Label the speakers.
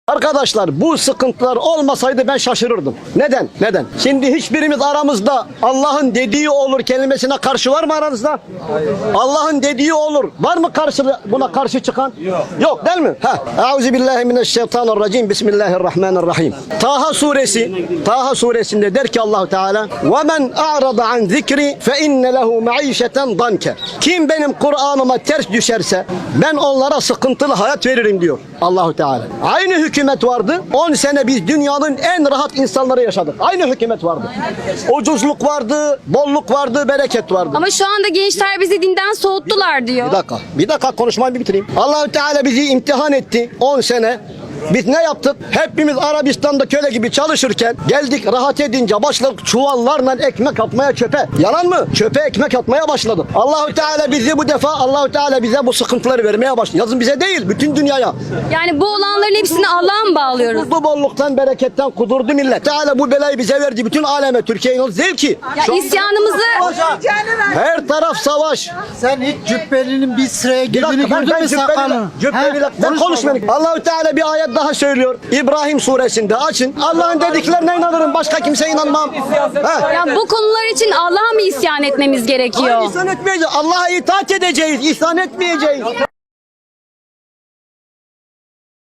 Speaker 1: Arkadaşlar bu sıkıntılar olmasaydı ben şaşırırdım. Neden? Neden? Şimdi hiçbirimiz aramızda Allah'ın dediği olur kelimesine karşı var mı aranızda? Allah'ın dediği olur. Var mı buna karşı çıkan? Yok. Yok değil mi? Euzubillahimineşşeytanirracim. Bismillahirrahmanirrahim. Taha suresinde der ki Allahu Teala: "Ve men a'rada an zikri fe inne lehu maişeten danke." Kim benim Kur'an'ıma ters düşerse ben onlara sıkıntılı hayat veririm diyor Allahu Teala. Aynı hükümet vardı. 10 sene biz dünyanın en rahat insanları yaşadık. Aynı hükümet vardı. Ucuzluk vardı, bolluk vardı, bereket vardı.
Speaker 2: Ama şu anda gençler bizi dinden soğuttular diyor.
Speaker 1: Bir dakika konuşmayı bir bitireyim. Allahu Teala bizi imtihan etti 10 sene. Biz ne yaptık? Hepimiz Arabistan'da köle gibi çalışırken geldik rahat edince başladık çuvallarla ekmek atmaya çöpe. Yalan mı? Çöpe ekmek atmaya başladık. Allahu Teala bize bu sıkıntıları vermeye başladı. Yazın bize değil, bütün dünyaya.
Speaker 2: Yani bu olanların hepsini Allah'a mı bağlıyoruz?
Speaker 1: Bu bolluktan, bereketten kudurdu millet. Teala bu belayı bize verdi. Bütün aleme, Türkiye'nin zevki.
Speaker 2: Ya isyanımızı...
Speaker 1: Her taraf savaş.
Speaker 3: Sen hiç cübbelinin bir sıraya girdiğini gördün mü sakalını?
Speaker 1: Ben konuşmayayım. Allahu Teala bir ayet daha söylüyor. İbrahim suresinde açın. Allah'ın dediklerine inanırım. Başka kimseye inanmam.
Speaker 2: Ya bu konular için Allah'a mı isyan etmemiz gerekiyor?
Speaker 1: İsyan etmeyeceğiz. Allah'a itaat edeceğiz. İsyan etmeyeceğiz.